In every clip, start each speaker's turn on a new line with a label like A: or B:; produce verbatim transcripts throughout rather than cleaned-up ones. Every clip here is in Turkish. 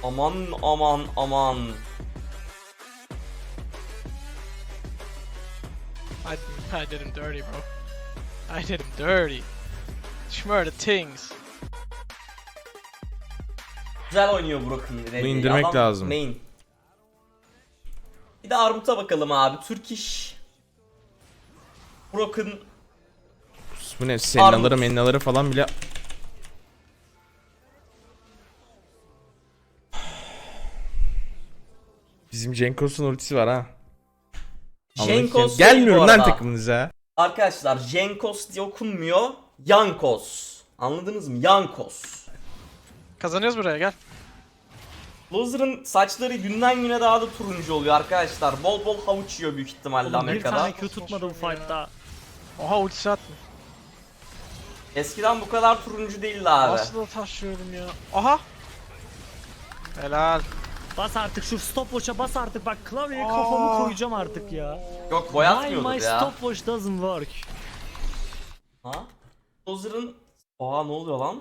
A: Aman aman aman.
B: I, I did him dirty, bro. I did him dirty. Schmur the things.
A: Güzel oynuyor Broken.
C: Bunu indirmek
A: Adam
C: lazım.
A: Main. Bir de Armut'a bakalım abi. Türk iş. Broken.
C: Bu ne? Sennaları mennaları falan bile. Bizim Cenkos'un ultisi var ha.
A: Jenkos
C: Gelmiyorum lan takımınıza.
A: Arkadaşlar Jenkos diye okunmuyor. Yankos. Anladınız mı? Yankos.
B: Kazanıyoruz buraya, gel.
A: Loser'ın saçları günden güne daha da turuncu oluyor arkadaşlar. Bol bol havuç yiyor büyük ihtimalle
D: Bir
A: Amerika'da.
D: tane Q tutmadı bu fight'ta.
B: Oha, ultisi atma.
A: Eskiden bu kadar turuncu değildi abi.
B: Nasıl da taşıyorum ya. Aha. Helal.
D: Bas artık şu stopwatch'a bas artık, bak klavyeye kafamı koyacağım artık ya.
A: Yok
D: Why
A: boyatmıyordur
D: my
A: ya.
D: stopwatch doesn't work?
A: Ha? Loser'ın... Oha ne oluyor lan?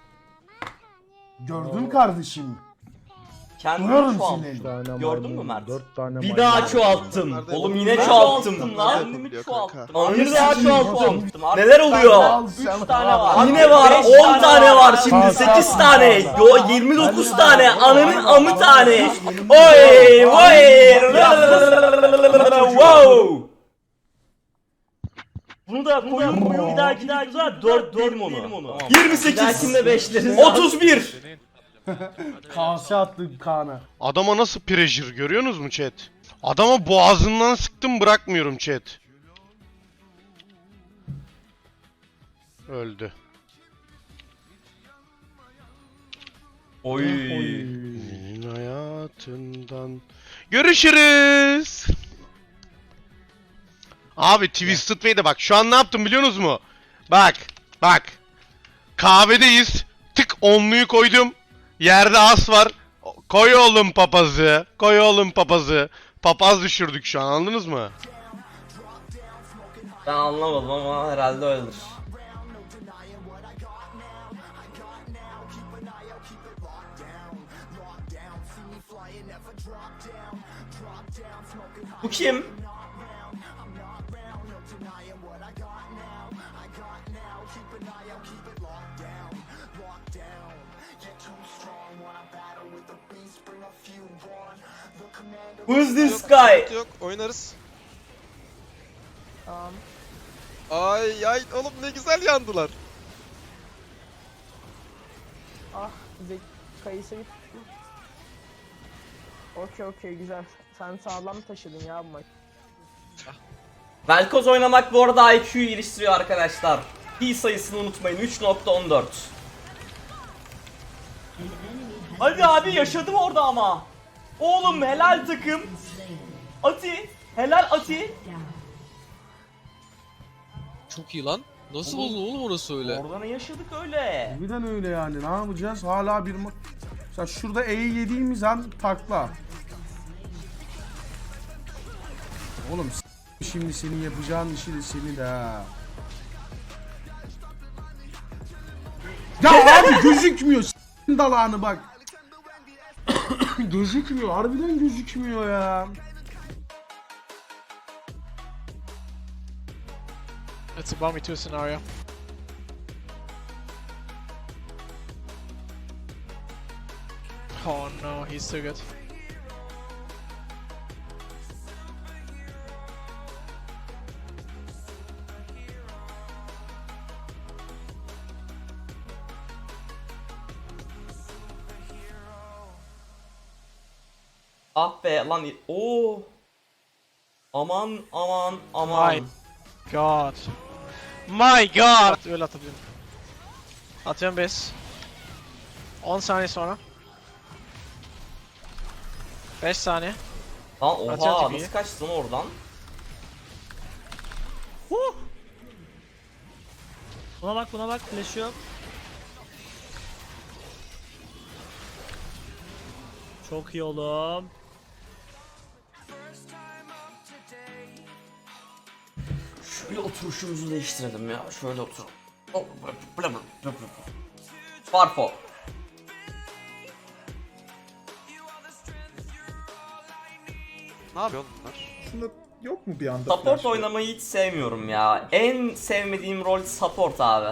E: Gördün kardeşim.
A: Kendini
E: Duyarım
A: çoğalttım.
E: seni.
A: Gördün mü Mert?
F: dört tane
A: Bir daha çoğalttım. Oğlum yine çoğalttım lan. Bir daha çoğalttım. Neler oluyor? üç tane var. Yine var. on tane var şimdi. sekiz tane. Yo yirmi dokuz tane. Ananın amı tane. Oy oy. Wow.
D: Bunu da koyun koyun bir dahaki bir dahaki
A: dört dedim onu. yirmi sekiz. Kimde beşleriz? otuz bir.
E: Kase attı Kaan'a.
G: Adama nasıl pressure görüyorsunuz mu chat? Adama boğazından sıktım, bırakmıyorum chat. Öldü.
A: Oy.
G: Senin hayatından. Görüşürüz. Abi Twisted Fate'e bak, şu an ne yaptım biliyorsunuz mu? Bak bak. Kahvedeyiz. Tık onluyu koydum. Yerde as var. Koy oğlum papazı. Koy oğlum papazı. Papaz düşürdük şu an, anladınız mı?
A: Ben anlamadım ama herhalde öyledir. Bu kim? Who's this guy?
H: Yok, oynarız. Tamam. Ay ay oğlum ne güzel yandılar.
I: Ah, Zek kayısı bir. Okey okey güzel. Sen sağlam taşıdın ya bu maç.
A: Velkoz oynamak bu arada I Q'yu geliştiriyor arkadaşlar. Pi sayısını unutmayın, üç nokta on dört. Hadi abi yaşadım orada ama. Oğlum helal takım. Ati, helal Ati.
H: Çok iyi lan. Nasıl oldu oğlum orası öyle?
A: Orada ne yaşadık öyle?
E: Harbiden öyle yani. Ne yapacağız? Hala bir ma... Mesela şurada E'yi yediğimiz an takla. Oğlum s- şimdi senin yapacağın işi de seni de ha. Ya abi gözükmüyor s***in dalağını bak. Gözükmüyor. Harbiden gözükmüyor ya.
B: It's a bomb two scenario. Oh no, he's too good.
A: Ah be lan. Oo. Aman aman aman.
B: My god. My god. Öyle atabilirim. Atıyorum biz. on saniye sonra. beş saniye.
A: Lan
B: Atacağım
A: oha
B: tipiyi.
A: nasıl kaçtın oradan?
D: Huh! Buna bak buna bak, flash yok. Çok iyi oğlum.
A: Şöyle oturuşumuzu değiştirelim ya. Şöyle otur. Farfo.
H: Ne yapıyor oğlum bunlar?
F: Aslında yok mu bir anda?
A: Support
F: flash?
A: oynamayı hiç sevmiyorum ya. En sevmediğim rol support abi.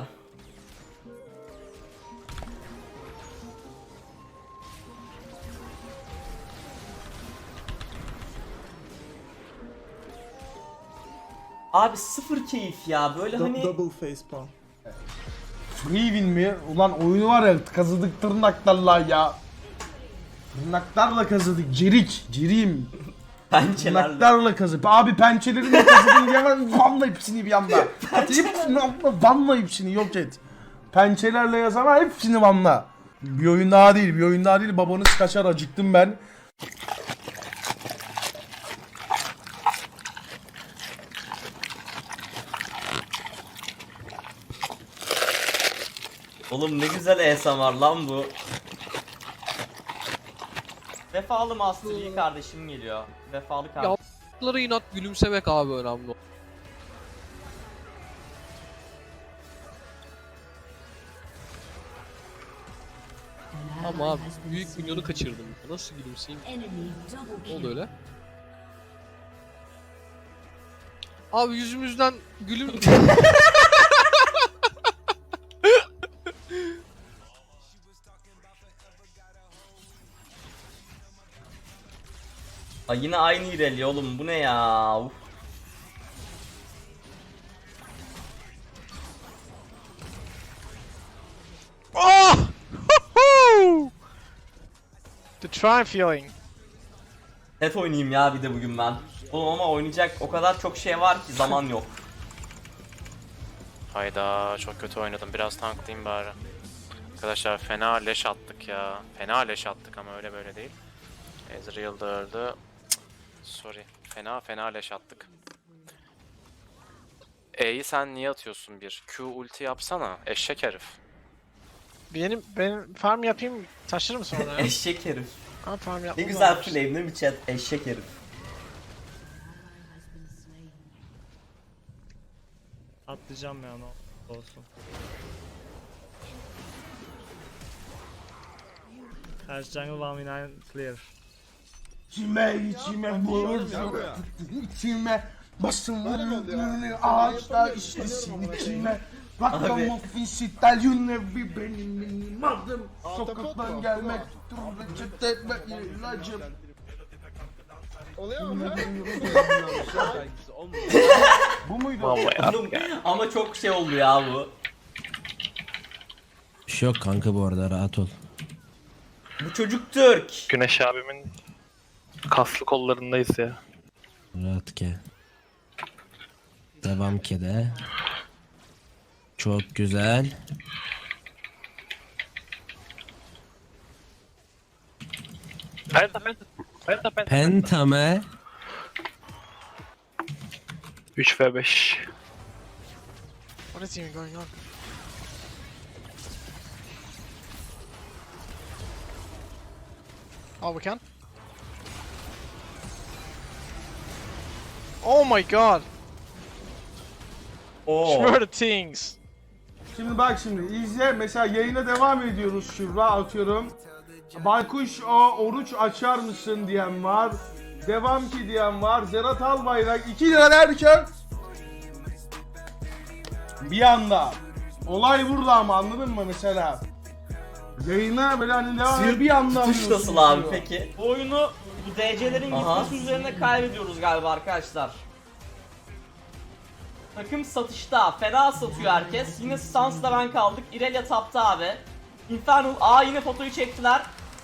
A: Abi sıfır keyif ya böyle
F: Du-
A: hani
F: Double face palm.
E: Free win mi? Ulan oyunu var ya kazıdık tırnaklarla ya. Tırnaklarla kazıdık. Cirik. Ciriyim.
A: pençelerle.
E: Tırnaklarla kazıp. Abi pençelerimle kazıdım diye ben vanla hepsini bir anda. Hepsini vanla, vanla hepsini yok et. Pençelerle yazama hepsini vanla. Bir oyun daha değil, bir oyun daha değil. Babanız kaçar, acıktım ben.
A: Oğlum ne güzel A S M R lan bu. Vefalı Master Yi kardeşim geliyor. Vefalı kardeşim.
B: Yaptıkları inat gülümsemek abi önemli. Ama abi büyük milyonu kaçırdım. Nasıl gülümseyeyim? Ne oldu öyle? Abi yüzümüzden gülüm...
A: Ay yine aynı İreli oğlum bu ne ya? Uf.
B: Oh! The try feeling.
A: Net oynayayım ya bir de bugün ben. Oğlum ama oynayacak o kadar çok şey var ki zaman yok.
C: Hayda çok kötü oynadım. Biraz tanklayayım bari. Arkadaşlar fena leş attık ya. Fena leş attık ama öyle böyle değil. Ezreal da öldü. Cık, sorry. Fena fena leş attık. E'yi sen niye atıyorsun bir? Q ulti yapsana. Eşek herif.
B: Benim benim farm yapayım taşırım sonra ya.
A: Eşek herif.
B: Ha, farm
A: Ne
B: yapmam
A: güzel
B: lazım.
A: flame değil mi chat? Eşek herif.
D: Atlayacağım ya ne olsun. Her jungle one v nine clear.
E: İçime içime vurdu. İçime basın vurdu. Ağaçlar işlesin içime. Rakam ofis İtalyan'ı benim benim adım. Sokaktan gelmek dur reçete etme ilacım.
H: Oluyor mu?
E: Bu muydu?
A: Oğlum, ama çok şey oldu ya bu.
J: Bir şey yok kanka bu arada rahat ol.
A: Bu çocuk Türk.
C: Güneş abimin kaslı kollarındayız ya.
J: Rahat ke. Devam ke de. Çok güzel.
C: Penta penta. Penta penta.
J: Pentame.
C: üç ve beş.
B: What is even going on? Oh, we can? Oh my god!
A: Oo.
B: Schmur the things!
E: Şimdi bak şimdi izle mesela yayına devam ediyoruz şurada atıyorum. Baykuş o oruç açar mısın diyen var. Devam ki diyen var. Zerat Albayrak iki lira derken bir anda olay burada ama anladın mı mesela? Yayına böyle hani devam ediyor bir anda
A: Tutuş
E: alıyorsun
A: nasıl abi
E: diyor.
A: peki? Bu oyunu bu D C'lerin gitmesi üzerine kaybediyoruz galiba arkadaşlar. Takım satışta. Fena satıyor herkes. Yine Stans'la ben kaldık. Irelia tapta abi. Infernal. Aa yine fotoyu çektiler.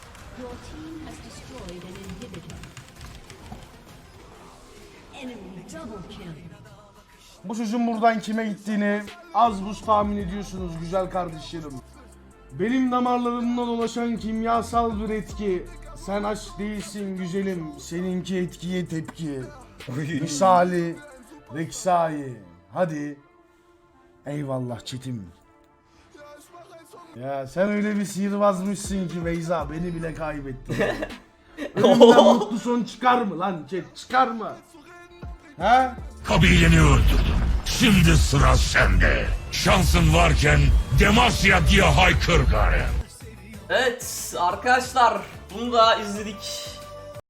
E: Bu çocuğun buradan kime gittiğini az buz tahmin ediyorsunuz güzel kardeşlerim. Benim damarlarımda dolaşan kimyasal bir etki. Sen aç değilsin güzelim, seninki etkiye tepki. Misali Reksai. Hadi. Eyvallah çetim. Ya sen öyle bir sihirbazmışsın ki Beyza beni bile kaybettin. Önümden mutlu son çıkar mı lan chat çıkar mı? Ha?
K: Kabileni öldürdüm. Şimdi sıra sende. Şansın varken Demasya diye haykır gari.
A: Evet arkadaşlar bunu da izledik.